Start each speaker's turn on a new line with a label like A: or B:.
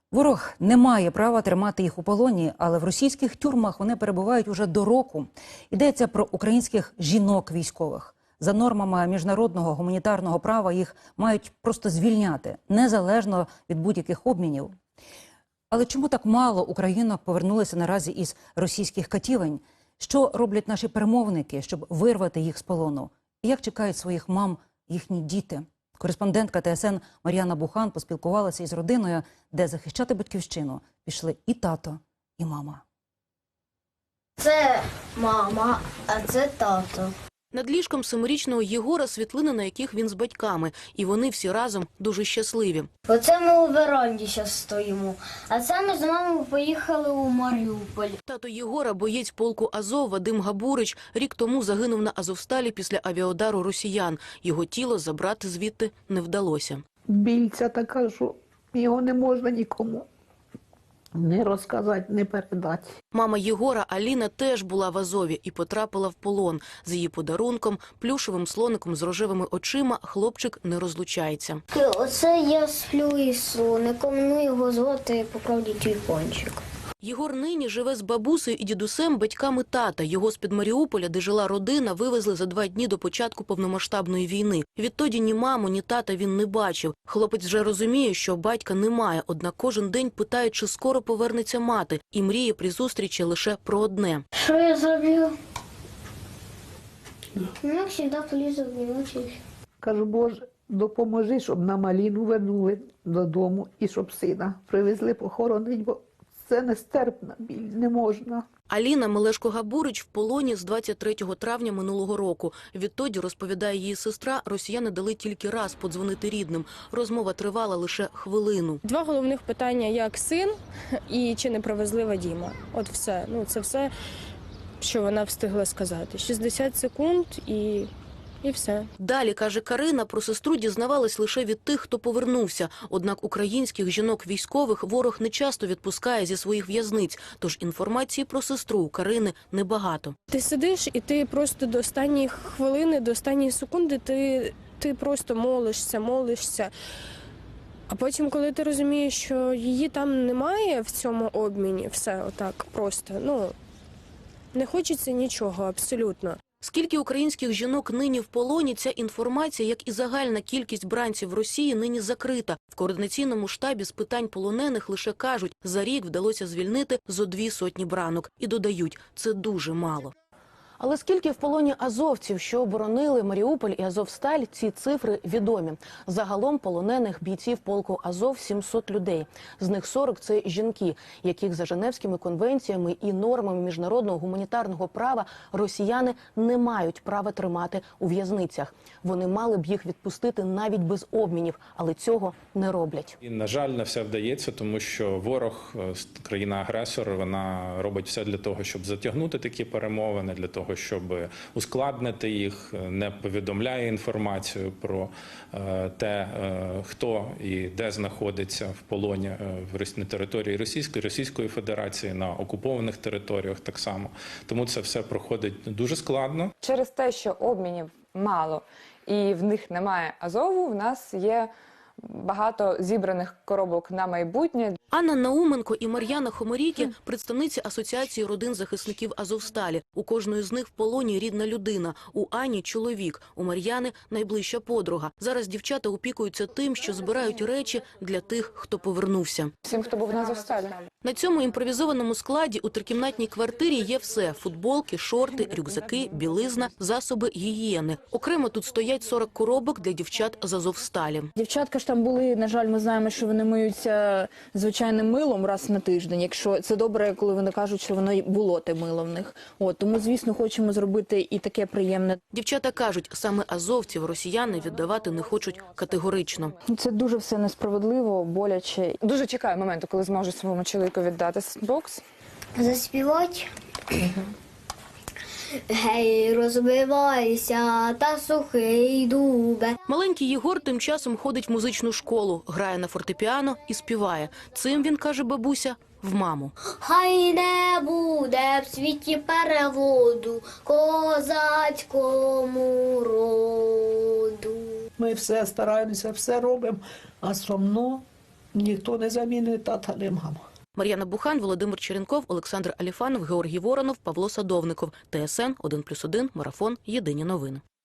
A: Ворог не має права тримати їх у полоні, але в російських тюрмах вони перебувають уже до року. Йдеться про українських жінок-військових. За нормами міжнародного гуманітарного права їх мають просто звільняти, незалежно від будь-яких обмінів. Але чому так мало українок повернулися наразі із російських катівень? Що роблять наші перемовники, щоб вирвати їх з полону? І як чекають своїх мам їхні діти? Кореспондентка ТСН Мар'яна Бухан поспілкувалася із родиною, де захищати батьківщину пішли і тато, і мама.
B: Це мама, а це тато.
C: Над ліжком 7-річного Єгора світлини, на яких він з батьками. І вони всі разом дуже щасливі.
B: Оце ми у веранді зараз стоїмо. А це ми з мамою поїхали у Маріуполь.
C: Тато Єгора – боєць полку Азов Вадим Габурич. Рік тому загинув на Азовсталі після авіаудару росіян. Його тіло забрати звідти не вдалося.
D: Біль ця така, що його не можна нікому не розказати, не передати.
C: Мама Єгора Аліна теж була в Азові і потрапила в полон. З її подарунком, плюшевим слоником з рожевими очима, хлопчик не розлучається.
B: Оце я сплю із слоником, ну його звати Поправді Тюльпанчик.
C: Єгор нині живе з бабусею і дідусем, батьками тата. Його з-під Маріуполя, де жила родина, вивезли за 2 дні до початку повномасштабної війни. Відтоді ні маму, ні тата він не бачив. Хлопець вже розуміє, що батька немає, однак кожен день питає, чи скоро повернеться мати, і мріє при зустрічі лише про одне.
B: Що я зроблю? Ну, як завжди полізу в ночі.
D: Кажу, Боже, допоможи, щоб нам Аліну вернули додому і щоб сина привезли похоронити, бо це нестерпна біль, не можна.
C: Аліна Мелешко-Габурич в полоні з 23 травня минулого року. Відтоді, розповідає її сестра, росіяни дали тільки раз подзвонити рідним. Розмова тривала лише хвилину.
E: 2 головних питання, як син і чи не привезли Вадима. От все. Ну, це все, що вона встигла сказати. 60 секунд і все.
C: Далі, каже Карина, про сестру дізнавалась лише від тих, хто повернувся. Однак українських жінок-військових ворог не часто відпускає зі своїх в'язниць. Тож інформації про сестру у Карини небагато.
E: Ти сидиш і ти просто до останньої хвилини, до останньої секунди ти просто молишся. А потім, коли ти розумієш, що її там немає в цьому обміні, все отак просто, не хочеться нічого абсолютно.
C: Скільки українських жінок нині в полоні, ця інформація, як і загальна кількість бранців Росії, нині закрита. В координаційному штабі з питань полонених лише кажуть, за рік вдалося звільнити зо 200 бранок. І додають, це дуже мало. Але скільки в полоні азовців, що оборонили Маріуполь і Азовсталь, ці цифри відомі. Загалом полонених бійців полку Азов 700 людей. З них 40 – це жінки, яких за Женевськими конвенціями і нормами міжнародного гуманітарного права росіяни не мають права тримати у в'язницях. Вони мали б їх відпустити навіть без обмінів, але цього не роблять.
F: І, на жаль, не все вдається, тому що ворог, країна-агресор, вона робить все для того, щоб затягнути такі перемовини, для того, щоб ускладнити їх, не повідомляє інформацію про те, хто і де знаходиться в полоні на території Російської Федерації, на окупованих територіях так само. Тому це все проходить дуже складно.
G: Через те, що обмінів мало і в них немає Азову, в нас є багато зібраних коробок на майбутнє.
C: Анна Науменко і Мар'яна Хоморікі – представниці Асоціації родин захисників Азовсталі. У кожної з них в полоні рідна людина. У Ані – чоловік, у Мар'яни – найближча подруга. Зараз дівчата опікуються тим, що збирають речі для тих, хто повернувся.
G: Всім, хто був на Азовсталі.
C: На цьому імпровізованому складі у трикімнатній квартирі є все – футболки, шорти, рюкзаки, білизна, засоби гігієни. Окремо тут стоять 40 коробок для дівчат з Азовсталі.
H: Дівчатка ж там були, на жаль, ми знаємо, що вони миються звичайним милом раз на тиждень. Якщо це добре, коли вони кажуть, що воно й було те мило в них. Тому, звісно, хочемо зробити і таке приємне.
C: Дівчата кажуть, саме азовців росіяни віддавати не хочуть категорично.
H: Це дуже все несправедливо, боляче.
G: Дуже чекаю моменту, коли зможу своєму чоловіку віддати бокс.
B: Заспівати. Гей, розбивайся, та сухий дубе.
C: Маленький Єгор тим часом ходить в музичну школу, грає на фортепіано і співає. Цим він, каже бабуся, в маму.
B: Хай не буде в світі переводу козацькому роду.
D: Ми все стараємося, все робимо, а сумно Ніхто не замінить тата, не мама.
C: Мар'яна Бухан, Володимир Черенков, Олександр Аліфанов, Георгій Воронов, Павло Садовников. ТСН 1+1, Марафон. Єдині новини.